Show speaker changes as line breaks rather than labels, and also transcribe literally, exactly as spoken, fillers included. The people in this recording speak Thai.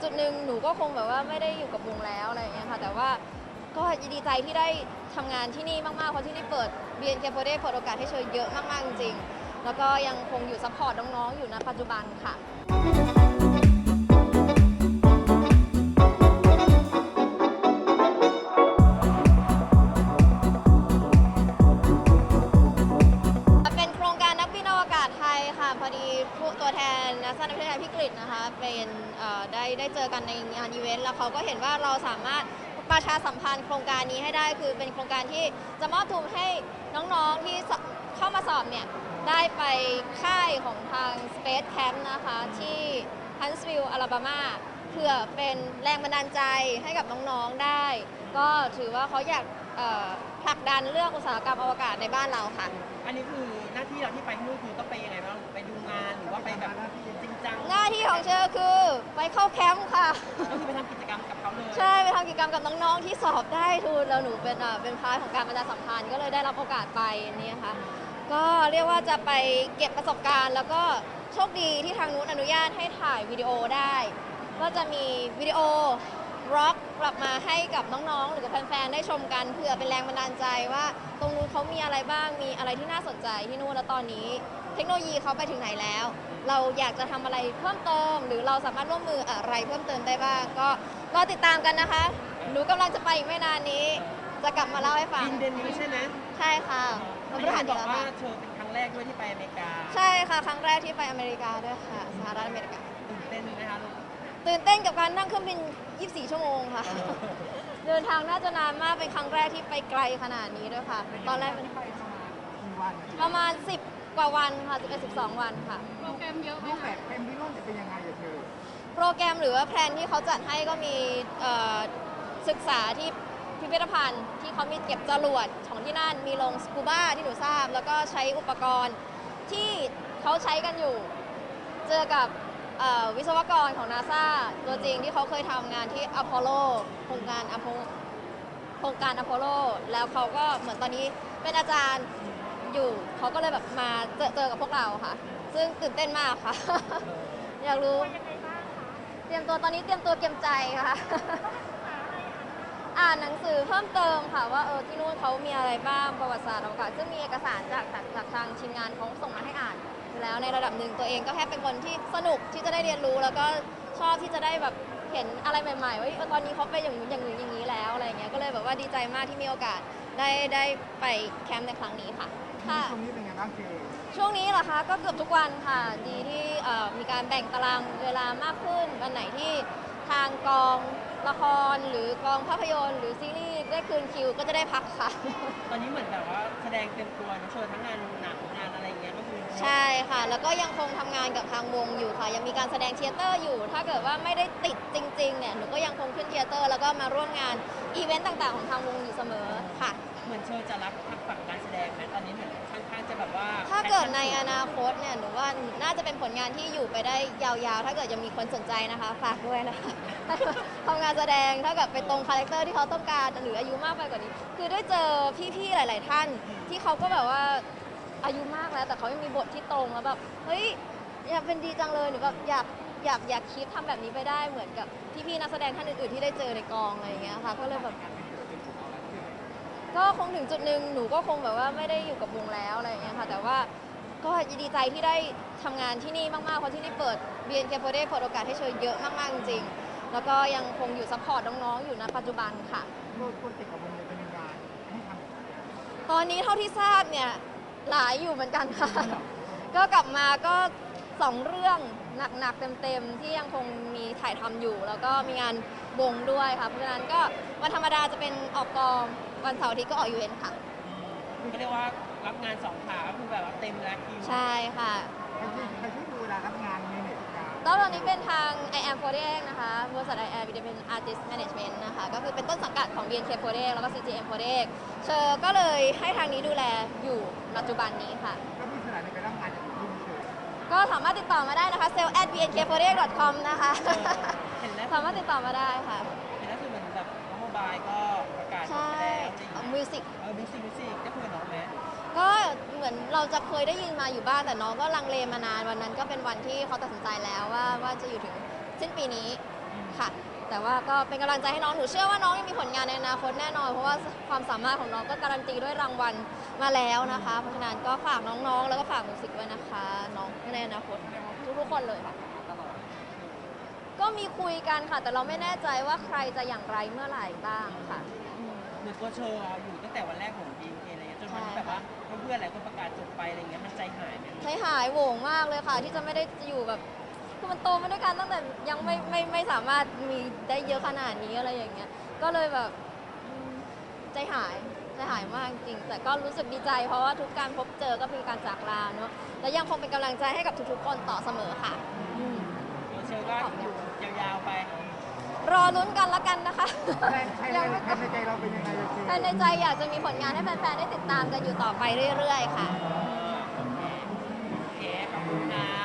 จุดหนึ่งหนูก็คงแบบว่าไม่ได้อยู่กับวงแล้วอะไรอย่างเงี้ยค่ะแต่ว่าก็ดีใจที่ได้ทำงานที่นี่มากๆเพราะที่นี่เปิด บี เอ็น เค โฟร์ เปิดโอกาสให้เชยเยอะมากๆจริงๆแล้วก็ยังคงอยู่ซัพพอร์ตน้องๆอยู่ณปัจจุบันค่ะเป็นโครงการนักบินอวกาศไทยค่ะพอดีผู้ตัวแทนนักสร้างนักวิทยาศาสตร์พี่กฤษนะคะเป็นได้ได้เจอกันในงานอีเวนต์แล้วเขาก็เห็นว่าเราสามารถประชาสัมพันธ์โครงการนี้ให้ได้คือเป็นโครงการที่จะมอบทุนให้น้องๆที่เข้ามาสอบเนี่ยได้ไปค่ายของทาง Space Camp นะคะที่ Huntsville อลาบามาเพื่อเป็นแรงบันดาลใจให้กับน้องๆได้ ก็ถือว่าเขาอยากผลักดันเรื่องอุตสาหกรรมอวกาศในบ้านเราค่ะ
อันนี้คือหน้าที่เราที่ไปที่นู่นคือต้องไปยังไงบ้างไปดูงานหรือว่าไปแบบจริงจัง
หน้าที่ของเชอคือไปเข้าแคมป์ค่ะ
ก็คือไปทำกิจกรรมกับเขาเลย
ใช่ไปทำกิจกรรมกับน้องๆที่สอบได้ทุนแล้วหนูเป็นเป็นพาร์ทของการประชาสัมพันธ์ก็เลยได้รับโอกาสไปนี่ค่ะก็เรียกว่าจะไปเก็บประสบการณ์แล้วก็โชคดีที่ทางนู้นอนุญาตให้ถ่ายวิดีโอได้ก็จะมีวิดีโอร็อกกลับมาให้กับน้องๆหรือกับแฟนๆได้ชมกันเพื่อเป็นแรงบันดาลใจว่าตรงนู้นเขามีอะไรบ้างมีอะไรที่น่าสนใจที่นู่นแล้วตอนนี้เทคโนโลยีเขาไปถึงไหนแล้วเราอยากจะทำอะไรเพิ่มเติมหรือเราสามารถร่วมมืออะไรเพิ่มเติมได้บ้างก็รอติดตามกันนะคะหนูกำลังจะไปอีกไม่นานนี้จะกลับมาเล่าให้ฟัง
บินเดือนนี้ใช่ไหม
ใช่ค่ะ
วันพฤหัสบอกว่าเธอเป็นครั้งแรกด้วยที่ไปอเมริกา
ใช่ค่ะครั้งแรกที่ไปอเมริกาด้วยค่ะสหรัฐอเมริกา
ตื่นเต้นไหมคะลูก
ตื่นเต้นกับการนั่งเครื่องบินยี่สิบสี่ชั่วโมงค่ะเดินทางน่าจะนานมากเป็นครั้งแรกที่ไปไกลขนาดนี้ด้วยค่ะตอนแรกเป็นประมาณสิบกว่าวันค่ะสิบเอ็ด สิบสองวันค่ะ
โปรแกรมเยอะไหมคะแบบแผนที่นู่นจะเป็นยังไงอะเธอ
โปรแกรมหรือว่าแพลนที่เขาจัดให้ก็มีศึกษาที่พิพิธภัณฑ์ที่เขามีเก็บจรวดของที่นั่นมีลงสกูบ้าที่หนูทราบแล้วก็ใช้อุปกรณ์ที่เขาใช้กันอยู่เจอกับวิศวกรของ นาซา ตัวจริงที่เขาเคยทำงานที่อพอลโลโครงการอพอลโครงการอพอลโลแล้วเขาก็เหมือนตอนนี้เป็นอาจารย์อยู่เขาก็เลยแบบมาเจอเจอกับพวกเราค่ะซึ่งตื่นเต้นมากค่ะอยากรู้เตรียมตัวตอนนี้เตรียมตัวเตรียมใจค่ะอ่านหนังสือเพิ่มเติมค่ะว่าเออที่นู่นเขามีอะไรบ้างประวัติศาสตร์อวกาศซึ่งมีเอกสารจากจากทางทีมงานเขาส่งมาให้อ่านแล้วในระดับหนึ่งตัวเองก็แค่เป็นคนที่สนุกที่จะได้เรียนรู้แล้วก็ชอบที่จะได้แบบเห็นอะไรใหม่ๆว่าตอนนี้เขาเป็นอย่างนู้นอย่างนี้อย่างนี้แล้วอะไรเงี้ยก็เลยแบบว่าดีใจมากที่มีโอกาสได้ได้ไปแคมป์ในครั้งนี้ค่ะ
ค่ะช่วงนี้เป็นไงบ้างเจ
ช่วงนี้เหรอคะก็เกือบทุกวันค่ะดีที่มีการแบ่งตารางเวลามากขึ้นวันไหนที่ทางกองละครหรือกองภาพยนตร์หรือซีรีส์ได้คืนคิวก็จะได้พักค่ะ
ตอนนี้เหมือนแบบว่าแสดงเต็มตัวนะเชิญทั้งงานหนังงานอะไรเงี้ยก็คือ
ใช่ค่ะแล้วก็ยังคงทำงานกับทางวงอยู่ค่ะยังมีการแสดงเทยเตอร์อยู่ถ้าเกิดว่าไม่ได้ติดจริงๆเนี่ยหนูก็ยังคงขึ้นเทยเตอร์แล้วก็มาร่วมงานอีเวนต์ต่างๆของทางวงอยู่เสมอค่ะ
เหมือนเชิญจะรับทักฝั่งการแสดงไหมตอนนี้เหมือนค่อนข้างจะแบบว่า
ถ้าเกิดในอนาคตเนี่ยหนูว่าน่าจะเป็นผลงานที่อยู่ไปได้ยาวๆถ้าเกิดยังมีคนสนใจนะคะฝากด้วยนะคะทำงานแสดงถ้าเกิดไปตรงคาแรคเตอร์ที่เขาต้องการหรืออายุมากไปกว่านี้คือได้เจอพี่ๆหลายๆท่านที่เขาก็แบบว่าอายุมากแล้วแต่เขายังมีบทที่ตรงแล้วแบบเฮ้ยอยากเป็นดีจังเลยหนูแบบอยากอยากอยากคิดทำแบบนี้ไปได้เหมือนกับพี่ๆนักแสดงท่านอื่นๆที่ได้เจอในกองอะไรอย่างเงี้ยค่ะก็เลยแบบก็คงถึงจุดหนึ่งหนูก็คงแบบว่าไม่ได้อยู่กับวงแล้วอะไรอย่างเงี้ยค่ะแต่ว่าก็ดีใจที่ได้ทำงานที่นี่มากๆเพราะที่นี่เปิด บี เอ็น เค โฟร์ เปิดโอกาสให้เชยเยอะมากๆจริงๆแล้วก็ยังคงอยู่ซัพพอร์ตน้องๆอยู่ณปัจจุบันค่ะ
โปรเจกต์กับวงเป็นงานที่ท
ำตอนนี้เท่าที่ทราบเนี่ยหลายอยู่เหมือนกันค่ะก็กลับมาก็สองเรื่องหนักๆเต็มๆที่ยังคงมีถ่ายทำอยู่แล้วก็มีงานวงด้วยค่ะเพราะฉะนั้นก็วันธรรมดาจะเป็นออกกองวันเสาร์อาทิตย์ก็ออกอีเวนต์ค่ะ
ก็เรียกว่ารับงานสองขาก็คือแบบว่าเต็มแล้วคิว
ใช่ค่ะ
ใครที่ใครที่ดูเวลารับงานในเน็ตการ
ตอนนี้เป็นทาง ไอ แอม โฟร์ เอ็กซ์ นะคะบริษัท ไอ แอม เป็น Artist Management นะคะก็คือเป็นต้นสังกัดของ บี เอ็น เค โฟร์ เอ็กซ์ แล้วก็ ซี จี เอ็ม โฟร์ เอ็กซ์ เชอร์ก็เลยให้ทางนี้ดูแลอยู่ปัจจุบันนี้ค่ะ
ก็มีสถานในการรับงานจากที่นี่เชอ
ก็สามารถติดต่อมาได้นะคะ sale at b n k f o r e dot com นะคะสามารถติดต่อมาได้ค่ะ
เห็นแล้วคือเหมือนแบบน้องโมบายก็ประกาศ
ใช่มิวสิก
เออมิวสิกมิวสิกได้คุยกับน้องไหม
ก็เหมือนเราจะเคยได้ยินมาอยู่บ้างแต่น้องก็ลังเลมานานวันนั้นก็เป็นวันที่เขาตัดสินใจแล้วว่าว่าจะอยู่ถึงสิ้นปีนี้ค่ะ แต่ว่าก็เป็นกำลังใจให้น้องหนูเชื่อว่าน้องยังมีผลงานในอนาคตแน่นอนเพราะว่าความสามารถของน้องก็การันตีด้วยรางวัลมาแล้วนะคะ เพราะฉะนั้นก็ฝากน้องๆ แล้วก็ฝากมิวสิกด้วยนะคะ น้องในอนาคตทุกๆคนเลยค่ะ ก็มีคุยกันค่ะ แต่เราไม่แน่ใจว่าใครจะอย่างไรเมื่อไหร่บ้างค่ะอืม
เหมือนตัวเชอร์อะอยู่ตั้งแต่วันแรกของ บี เอ็ม เค อะไรเงี้ยจนวันที่แบบว่าเพื่อนๆหลายคนประกาศจบไปอะไรเงี้ยมันใจหายไหม
ใจหายโหวงมากเลยค่ะ ที่จะไม่ได้อยู่แบบคือมันโตมาด้วยกันตั้งแต่ยังไม่ไม่ไม่สามารถมีได้เยอะขนาดนี้อะไรอย่างเงี้ยก็เลยแบบอืมใจหายใจหายมากจริงแต่ก็รู้สึกดีใจเพราะว่าทุกการพบเจอก็เป็นการจากลาเนาะและยังคงเป็นกำลังใจให้กับทุกๆคนต่อเสมอค่ะอืม
ตัวเชอร์ก็อยู่ยาวๆไป
รอลุ้นกันละกันนะคะ
แทนแทน
ยังไม่
แทนในใจเราเป็นยังไงเลยคือ
ภายในใจอยากจะมีผลงานให้แฟนๆได้ติดตามกันอยู่ต่อไปเรื่อยๆค่ะ
โอเคขอบคุณค่ะ